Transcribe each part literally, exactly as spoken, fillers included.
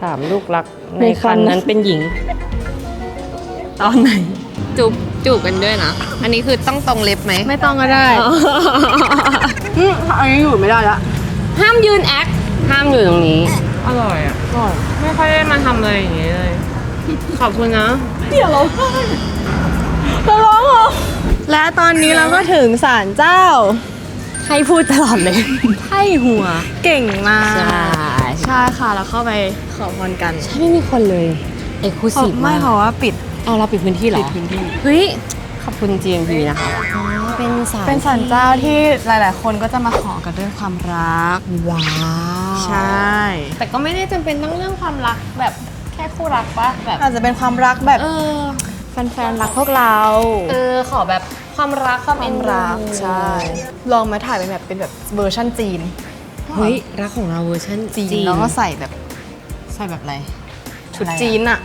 ามลูกรักในคันนั้นเป็นหญิงตอนไหนจูบจูบกันด้วยนะอันนี้คือต้องตรงเล็บไหมไม่ต้องก็ได้อืมอันนี้อยู่ไม่ได้ละห้ามยืนแอคห้ามอยู่ตรงนี้อร่อยอ่ะอร่อยไม่ค่อยได้มาทำเลยอย่างนี้เลยขอบคุณนะเดี๋ยวเราจะร้องเหรอและตอนนี้เราก็ถึงศาลเจ้าให้พูดตลอดเลยให้หัวเก่งมากใช่ใช่ค่ะเราเข้าไปขอพรกันใช่ไม่มีคนเลยเอกลูซีฟไม่เพราะว่าปิดเอาเราปิดพื้นที่เหรอปิดพื้นที่เฮ้ยขอบคุณ จี เอ็ม พี นะคะเป็นศาลเป็นศาลเจ้าที่หลายๆคนก็จะมาขอกันเรื่องความรักว้าวใช่แต่ก็ไม่ได้จำเป็นต้องเรื่องความรักแบบแค่คู่รักปะแบบอาจจะเป็นความรักแบบเออแฟนๆรักพวกเราเออขอแบบความรักความเอ็นรักใช่ลองมาถ่ายเป็นแบบเป็นแบบเวอร์ชั่นจีนเฮ้ยรักของเราเวอร์ชันจีนแล้วก็ใส่แบบใส่แบบอะไรชุดจีนอะ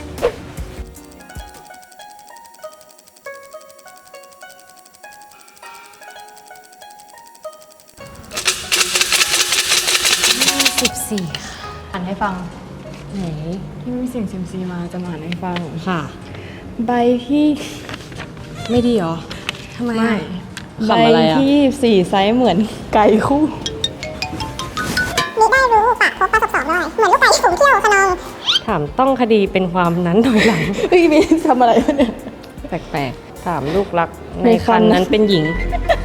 สิบสี่อ่านให้ฟังไหนที่มีเสียงเซมซีมาจะมาอ่านให้ฟังค่ะใบที่ไม่ดีหรอทำไมไม่ใบที่สี่ไซส์เหมือนไก่คู่มิได้รู้ปากพบประสบสอบได้เหมือนลูกไก่ฝูงเที่ยวขนองถามต้องคดีเป็นความนั้นถอยหลังเฮ้ยมีทำอะไรเนี่ยแปลกๆถามลูกรักในคันนั้นเป็นหญิง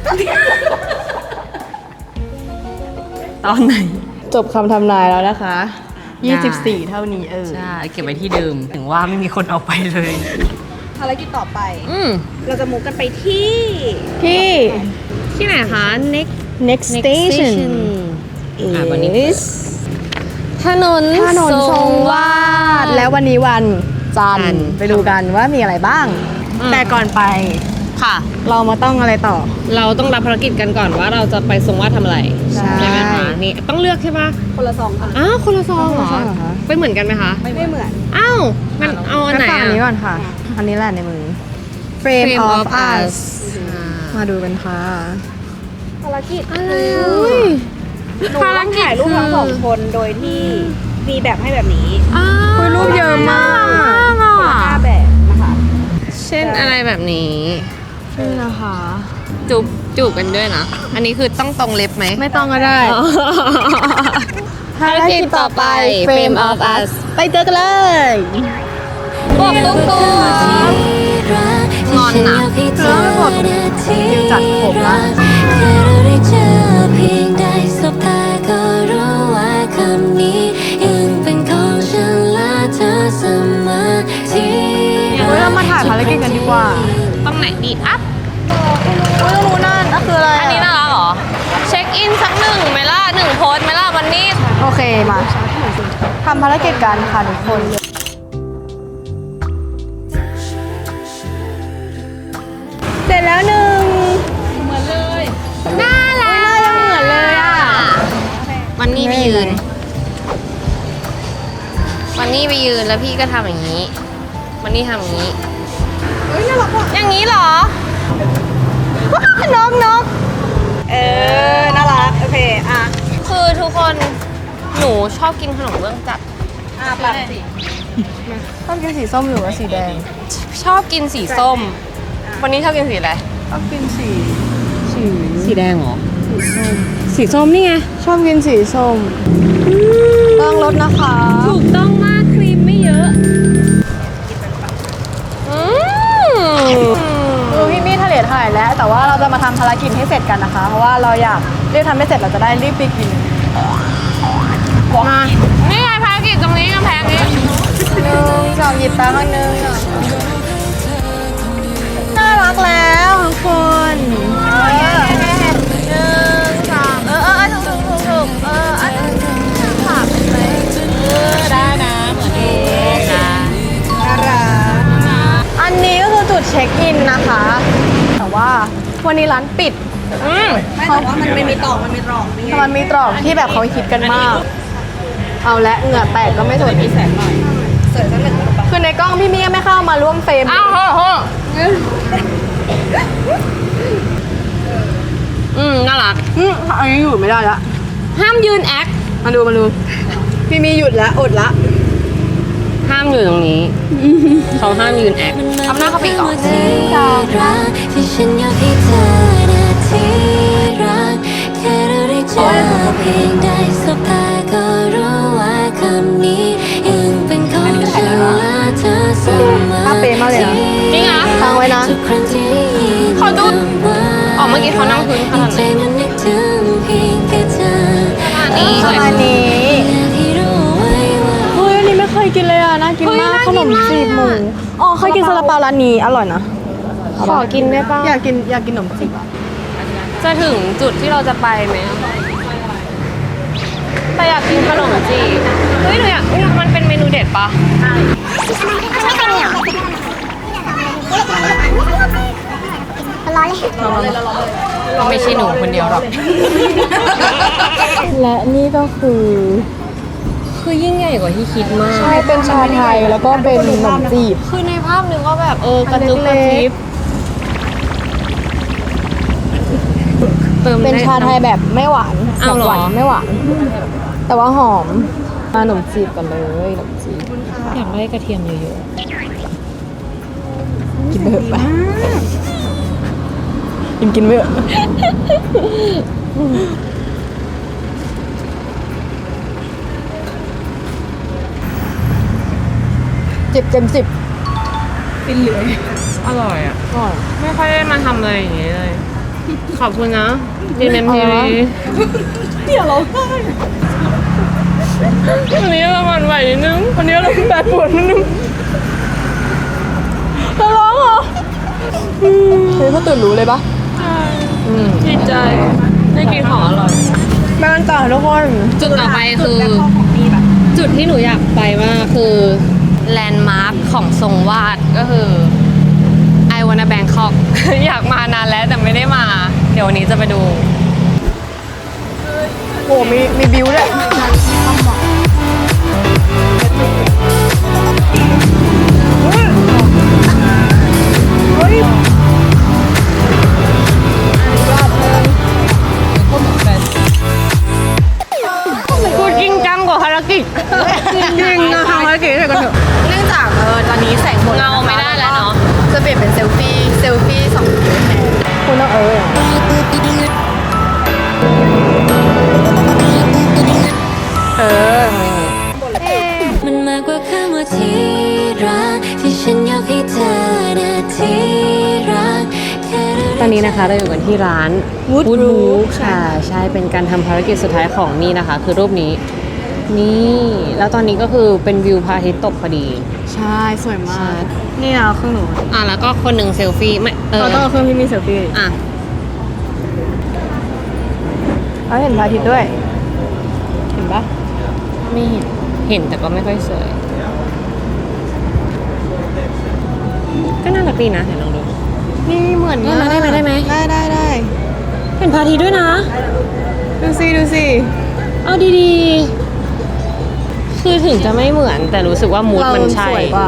ตอนไหนจบคำทำนายแล้วนะคะยี่สิบสี่เท่านี้เออใช่เก็บไว้ที่เดิมถึงว่าไม่มีคนเอาไปเลยภารกิจต่อไปอืมเราจะมุกกันไปที่ที่ที่ไหนคะ next next station อ่าวันนี้ถนนถนนทรงวาดแล้ววันนี้วันจันทร์ไปดูกันว่ามีอะไรบ้างแต่ก่อนไปค่ะเรามาต้องอะไรต่อเราต้องรับภารกิจกันก่อนว่าเราจะไปทรงวาดทำอะไรใช่ไหมคะนี่ต้องเลือกใช่ปะคนละซองค่ะอ้าวคนละซองเหรอไปเหมือนกันไหมคะไม่เหมือนอ้าวงั้นเอาอันไหนอันนี้ก่อนค่ะอันนี้แหละในมือ Frame of Us มาดูกันค่ะภารกิจคือหนูต้องถ่ายรูปทั้งสองคนโดยที่มีแบบให้แบบนี้คุยรูปเยอะมากห้าแบบนะคะเช่นอะไรแบบนี้นี่นะคะจูบจูบกันด้วยนะอันนี้คือต้องตรงเล็บไหมไม่ต้องก็ได้ภารกิจต่อไป Frame of Us ไปเจอกันเลยบอกตุ๊กตุ๊กงอนนะแล้วไม่บอกดิวจัดผมละเฮ้ยเรามาถ่ายภารกิจกันดีกว่าตรงไหนดีอัพไม่รู้นั่นนั่นคืออะไรอันนี้น่ารักเหรอเช็คอินสักหนึ่งไหมล่ะหนึ่งโพสไหมล่ะวันนี้โอเคมาทำภารกิจกันค่ะทุกคนเสร็จแล้วหนึ่งเหมือนเลยน่ารักน่าจะเหมือนเลยอ่ะวันนี้ไปยืนวันนี้ไปยืนแล้วพี่ก็ทำอย่างนี้วันนี้ทำอย่างนี้เฮ้ยน่ารักว่ะอย่างนี้เหรอนกนกเออน่ารักโอเคอ่ะคือทุกคนหนูชอบกินขนมเบื้องจัดอ่ะปัดสิชอบกินสีส้มหรือว่าสีแดงชอบกินสีส้มวันนี้ชอบกินสีอะไรชอบกินสีสีสีแดงเหรอสีส้มสีส้มนี่ไงชอบกินสีส้มต้องลดนะคะถูกต้องมากครีมไม่เยอะอืมดูพี่มี่ทะเลถ่ายแล้วแต่ว่าเราจะมาทำภารกิจให้เสร็จกันนะคะเพราะว่าเราอยากรีบทำให้เสร็จเราจะได้รีบไปกินมานี่ไงภารกิจตรงนี้กำแพงนี้หนึ่งสองหยิบตาข้างหนึ่งน่ารักแล้วทุกคนหนึ่งสองเออเออถูกถูกถูกถูกเอออันนี้ผักเลยเออได้นะเหมือนเดิมนะน่ารักอันนี้ก็คือจุดเช็คอินนะคะแต่ว่าวันนี้ร้านปิดไม่แต่ว่ามันไม่มีตรอกมันมีตรอกมันมีตรอกที่แบบเขาคิดกันมากเอาและเหงื่อแตกก็ไม่สวยมีแสงหน่อยสวยสักหนึ่งคือในกล้องพี่มี่ไม่เข้ามาร่วมเฟรมอ้าวโหอืมน่ารักอืมอันนี้อยู่ไม่ได้ละห้ามยืนแอคมาดูมาดูพี่มี่หยุดแล้วอดละามอยู่ตรงนี้ เขาห้ามยืนแอคทำหน้าเขาปีก่อนที่ฉันอยากให้เธอนะที่รักแค่เราได้เจอเพียงได้สบตาก็รู้ว่าคำนี้ยังเป็นของฉันและเธอเสมอภาพเป๊ะมากเลยนะจริงเหรอฟังไว้นะทุกครั้งที่ได้ยินเขาดูอ๋อเมื่อกี้เขานั่งพื้นขนาดใจไหนมันนึกถึงเพียงแค่เธอนี่ประมาณนี้อยากให้รู้ไว้ว่าเฮ้ยอันนี้ไม่เคยกินเลยอ่ะ น่ากินมาก ขนมจีบหมู อ๋อ เคยกินซาลาเปาร้านนี้ อร่อยนะขอกินได้ป่ะอยากกินอยากกินขนมจีบอ่ะจะถึงจุดที่เราจะไปไหมแต่อยากกินขนมจีบเฮ้ยหนูอยากมันเป็นเมนูเด็ดปะร้อนเลยก็ไม่ใช่หนูคนเดียวหรอกและนี่ก็คือคือยิ่งใหญ่กว่าที่คิดมากใช่เป็นชาไทยแล้วก็เป็นขนมจีบคือในภาพนึกว่าแบบเออกระจุกกระจิบเติมเป็นได้ชาไทยแบบไม่หวานอ้าวเหรอหวานไม่หวาน แต่ว่าหอมมาขนมจีบกันเลยขนมจีบอยากได้กระเทียมเยอะกินไปเถอะไปกินกินไปเถอะจิบเต็มสิบๆอร่อยอ่ะก่อนไม่ค่อยได้มาทำอะไรอย่างงี้เลย ขอบคุณนะดีเอ็มทีอะไรวีวะ เดี๋ยวเราได้วันนี้เราหวั่นไหวนิดนึงวันนี้เราแปดปวดนิดนึงเราร้องเหรออืมเฮ้ยเขาตื่นรู้เลยปะอืมดีใจ ได้กินของอร่อยแม่กันต่อทุกคนจุดต่อไปคือ จุดที่หนูอยากไปมากคือแลนด์มาร์คของทรงวาดก็คือไอวานาแบงคอก อยากมานานแล้วแต่ไม่ได้มา เดี๋ยววันนี้จะไปดูโหมีมีบิวด้วยเฮ้ยพูดจริงจังกว่าภารกิจจริงๆนะทำภารกิจให้กันเถอะเนื่องจากเออตอนนี้แสงหมดเงาไม่ได้แล้วเนาะจะเปลี่ยนเป็นเซลฟี่เซลฟี่สองคนแทนคุณต้องเออเออมันมากกว่าคำว่าที่รักที่ฉันอยากให้เธอนะที่รักแค่เราตอนนี้นะคะเราอยู่กันที่ร้าน Wood Wood Roof Roof ค่ะ ใช่เป็นการทำภารกิจสุดท้ายของนี่นะคะ คือรูปนี้ นี่ แล้วตอนนี้ก็คือเป็นวิวพระอาทิตย์ตกพอดีใช่ สวยมาใช่ก นี่นะเครื่องหนูอ่ะแล้วก็คนหนึ่งเซลฟี่ไม่เออเราต้องเอาเครื่องที่มีเซลฟี่อ่ะเราเห็นพระอาทิตย์ด้วย เห็นปะไม่เห็น เห็นแต่ก็ไม่ค่อยสวย ก็น่ารักดีนะเดี๋ยวลองดูนี่เหมือนได้ไหมได้ไหมได้ไหมได้ได้ได้เห็นพระอาทิตย์ด้วยนะดูสิดูสิเอาดีๆ คือถึงจะไม่เหมือนแต่รู้สึกว่ามูดมันใช่เราสวยกว่า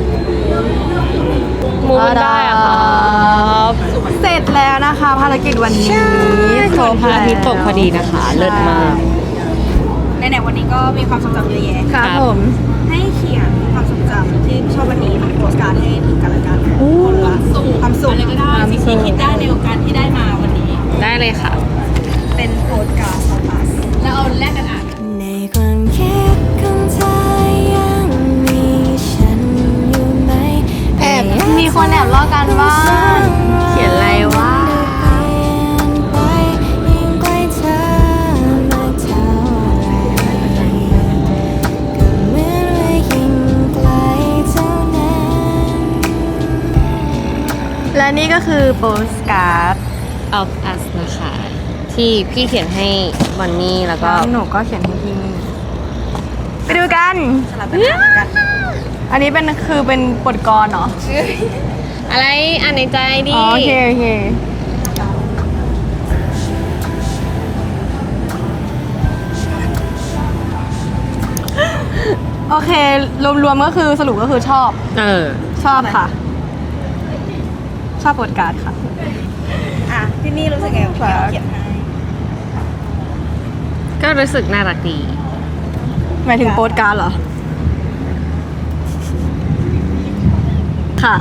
มูดมันได้อะครับเสร็จแล้วนะคะภารกิจวันนี้ครบพระอาทิตย์ตกพอดีนะคะ เลิศมากในๆวันนี้ก็มีความทรงจำเยอะแยะครับผมให้เขียนความทรงจำที่ชอบวันนี้เป็นโพสการ์ดให้ถึงกันและกันคนละสุขความสุขอะไรก็ได้สิ่งที่คิดได้ในโอกาสที่ได้มาวันนี้ได้เลยค่ะเป็นโพสการ์ดของusแล้วเอาแลกกันอ่านในความคิดของเธอยังมีฉันอยู่ไหมแอบมีคนแอบลอกกันบ้านเขียนอะไรวะไปยิ่งใกล้เธอมากเท่าไรก็เหมือนว่ายิ่งไกลเท่านั้นและนี่ก็คือโปสการ์ด of us นะคะ ที่พี่เขียนให้บอนนี่แล้วก็หนูก็เขียนให้ที่นี่ไปดูกันสลับกันอ่านกันอันนี้เป็นคือเป็นบทกลอนเหรออะไรอ่านในใจดิอ๋อโอเคโอเค โอเค รวมๆก็คือสรุปก็คือชอบเออชอบค่ะ ชอบบทการ์ดค่ะอ่ะที่นี่รู้สึกไงกับที่เราเขียนให้ก็รู้สึกน่ารักดีหมายถึงโปสการ์ดเหรอค่ะ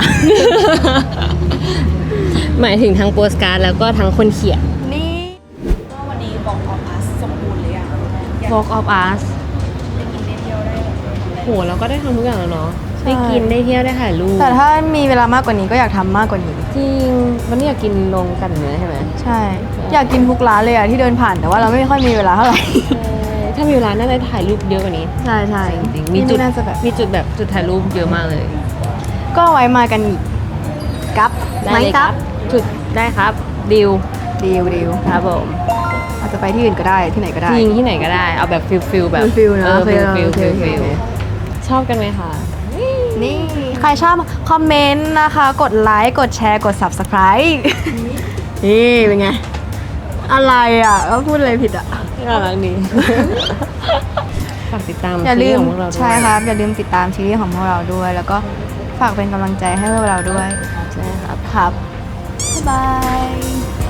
หมายถึงทั้งโปสการ์ดแล้วก็ทั้งคนเขียนนี่ว่าวันนี้บอกออฟอัสสมบูรณ์เลยอ่ะอยาก Walk of Us ไปกินได้เที่ยวได้แบบโหเราก็ได้ทำทุกอย่างแล้วเนาะได้กินได้เที่ยวได้ถ่ายรูปแต่ถ้ามีเวลามากกว่านี้ก็อยากทำมากกว่านี้จริงวันนี้อยากกินลงกันเนื้อใช่ไหมใช่ อยากกินทุกร้านเลยอะที่เดินผ่านแต่ว่าเราไม่ค่อยมีเวลาเท่าไหร่ถ้ามีเวลาน่าจะถ่ายรูปเยอะกว่านี้ใช่ใช่จริงๆมีจุดน่าจะแบบมีจุดแบบจุดถ่ายรูปเยอะมากเลยก็ไว้มากันอีกกับได้ไหมเลยครับจุดได้ครับดิวดีลดีลครับผมอาจจะไปที่อื่นก็ได้ที่ไหนก็ได้จริงที่ไหนก็ได้เอาแบบฟิลฟิลแบบฟิลๆนะเออฟิลโอเคฟิลโอเคฟิลโอเคฟิลชอบกันไหมคะนี่ ใครชอบคอมเมนต์นะคะ กดไลค์ กดแชร์ กด subscribe นี่เป็นไง อะไรอ่ะก็พูดอะไรผิดอ่ะน่ารักดี ฝากติดตามอย่าลืมซีรีส์ของพวกเราด้วยใช่ครับ อย่าลืมติดตามซีรีส์ของพวกเราด้วย แล้วก็ฝากเป็นกำลังใจให้พวกเราด้วยใช่ครับครับ บ๊ายบาย